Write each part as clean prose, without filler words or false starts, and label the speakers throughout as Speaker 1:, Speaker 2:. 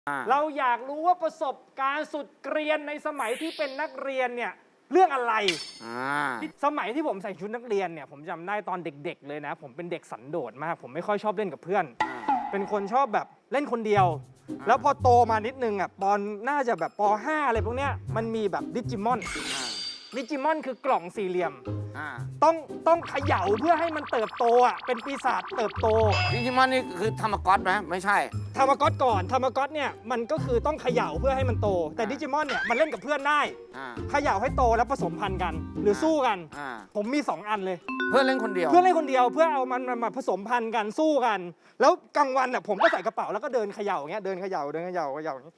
Speaker 1: เราอยากรู้ว่าประสบการณ์สุดเกรียนในสมัยที่เป็นนักเรียนเนี่ยเรื่องอะไรสมัยที่ผมใส่ชุดนักเรียนเนี่ยผมจำได้ตอนเด็กๆเลยนะผมเป็นเด็กสันโดษมากผมไม่ค่อยชอบเล่นกับเพื่อนเป็นคนชอบแบบเล่นคนเดียวแล้วพอโตมานิดนึงอ่ะตอนน่าจะแบบป .5 อะไรพวกเนี้ยมันมีแบบดิจิมอนคือกล่องสี่เหลี่ยมต้องเขย่าเพื่อให้มันเติบโตอ่ะเป็นปีศาจเติบโต
Speaker 2: ดิจิมอนนี่คือธรรมก๊อตไหมไม่ใช่
Speaker 1: ธรรมก๊อตก่อนธรรมก๊อตเนี่ยมันก็คือต้องเขย่าเพื่อให้มันโตแต่ดิจิมอนเนี่ยมันเล่นกับเพื่อนได้เขย่าให้โตแล้วผสมพันธุ์กันหรือสู้กันผมมี2อันเลย
Speaker 2: เพื่อนเล่นคนเดียว
Speaker 1: เพื่อนเล่นคนเดียวเพื่อเอามันมาผสมพันธุ์กันสู้กันแล้วกลางวันอ่ะผมก็ใส่กระเป๋าแล้วก็เดินเขย่าอย่างเงี้ยเดินเขย่าอย่างนี้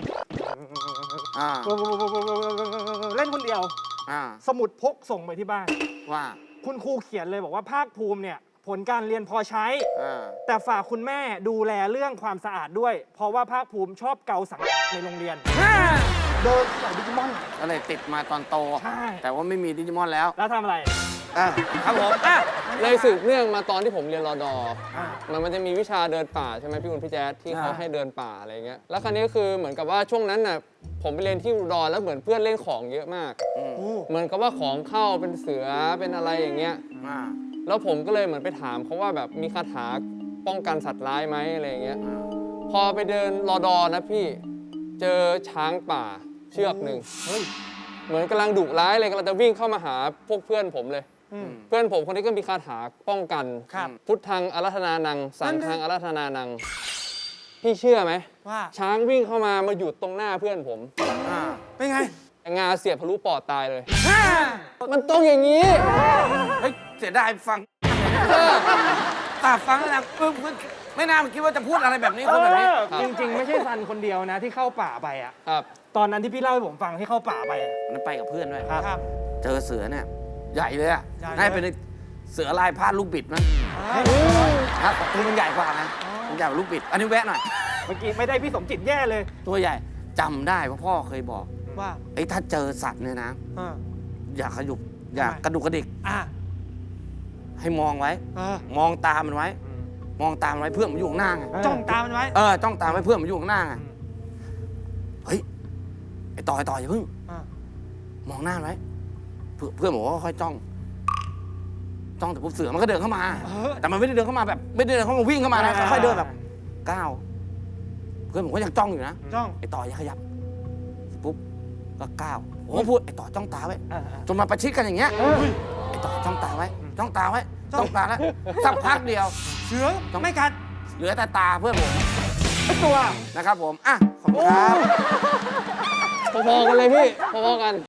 Speaker 1: เล่นคนเดียวสมุดพกส่งไปที่บ้าน
Speaker 2: ว่า
Speaker 1: คุณครูเขียนเลยบอกว่าภาคภูมิเนี่ยผลการเรียนพอใช้แต่ฝากคุณแม่ดูแลเรื่องความสะอาดด้วยเพราะว่าภาคภูมิชอบเกาสังในโรงเรียนเดินใส่ดิจิมอน
Speaker 2: ก็เลยติดมาตอนโตแต่ว่าไม่มีดิจิมอนแล้ว
Speaker 1: ทำอะไร
Speaker 2: ครับผม
Speaker 3: เลยสืบเนื่องมาตอนที่ผมเรียนรอดอมันจะมีวิชาเดินป่าใช่ไหมพี่คุณพี่แจ๊ดที่เขาให้เดินป่าอะไรเงี้ยแล้วคราวนี้คือเหมือนกับว่าช่วงนั้นน่ะผมไปเรียนที่อุดรแล้วเหมือนเพื่อนเล่นของเยอะมากเหมือนกับว่าของเข้าเป็นเสือเป็นอะไรอย่างเงี้ยแล้วผมก็เลยเหมือนไปถามเขาว่าแบบมีคาถาป้องกันสัตว์ร้ายไหมอะไรอย่างเงี้ยพอไปเดินรอดอนะพี่เจอช้างป่าเชือกหนึ่งเหมือนกำลังดุร้ายเลยกำลังจะวิ่งเข้ามาหาพวกเพื่อนผมเลยเพื่อนผมคนนี้ก็มีคาถาป้องกันพุทธังอารัธนานังสังฆังอารัธนานังพี่เชื่อไหมว่าช้างวิ่งเข้ามาหยุดตรงหน้าเพื่อนผม
Speaker 1: เป็นไง
Speaker 3: งาเสียบทะลุปอดตายเลยมันต้องอย่างนี้
Speaker 2: เฮ้ยเสียดายฟังตาฟังแล้วไม่น่าคิดว่าจะพูดอะไรแบบนี้คนแบบนี้
Speaker 1: จริงๆไม่ใช่ซันคนเดียวนะที่เข้าป่าไปอ่ะตอนนั้นที่พี่เล่าให้ผมฟังที่เข้าป่าไป
Speaker 2: นั้นไปกับเพื่อนด้วย
Speaker 1: ครับ
Speaker 2: เจอเสือเนี่ยใหญ่เลยอ่ะน่าเป็นเสือลายพาดลูกบิดมั้งครับตัวมันใหญ่กว่านะมันใหญ่กว่าลูกบิดอันนี้แวะหน่อย
Speaker 1: เมื่อกี้ไม่ได้พี่สมจิตแย่เลย
Speaker 2: ตัวใหญ่จำได้ว่าพ่อเคยบอกว่าไอ้ถ้าเจอสัตว์เนี่ยนะอย่าขยุบอย่ากระดุกกระดิกให้มองไว้มองตามันไว้มองตามันไว้เพื่อนมันอยู่ข้างหน้าไง
Speaker 1: จ้องตามันไว้
Speaker 2: จ้องตาไว้เพื่อนมันอยู่ข้างหน้าไงเฮ้ยไอ้ต่ออย่าเพิ่งมองหน้าไว้เพื่อนบอกว่าค่อยจ้องแต่ปุ๊บเสือมันก็เดินเข้ามาแต่มันไม่ได้เดินเข้ามาแบบไม่ได้เดินเข้ามาวิ่งเข้ามานะค่อยเดินแบบก้าวเพื่อนผมก็ยังจ้องอยู่นะไอ้ต่ออย่าขยับปุ๊บก็ก้าวผมก็พูดไอ้ต่อจ้องตาไว้จนมาประชิดกันอย่างเงี้ยไอ้ต่อจ้องตาไว้จ้องตาไว้จ้องตาแล้วสักพักเดียว
Speaker 1: เสือไม่กัด
Speaker 2: เหลือแต่ตาเพื่อนผม
Speaker 1: ตัว
Speaker 2: นะครับผมขอบคุณครับ
Speaker 3: พอๆกันเลยพี่พอๆกัน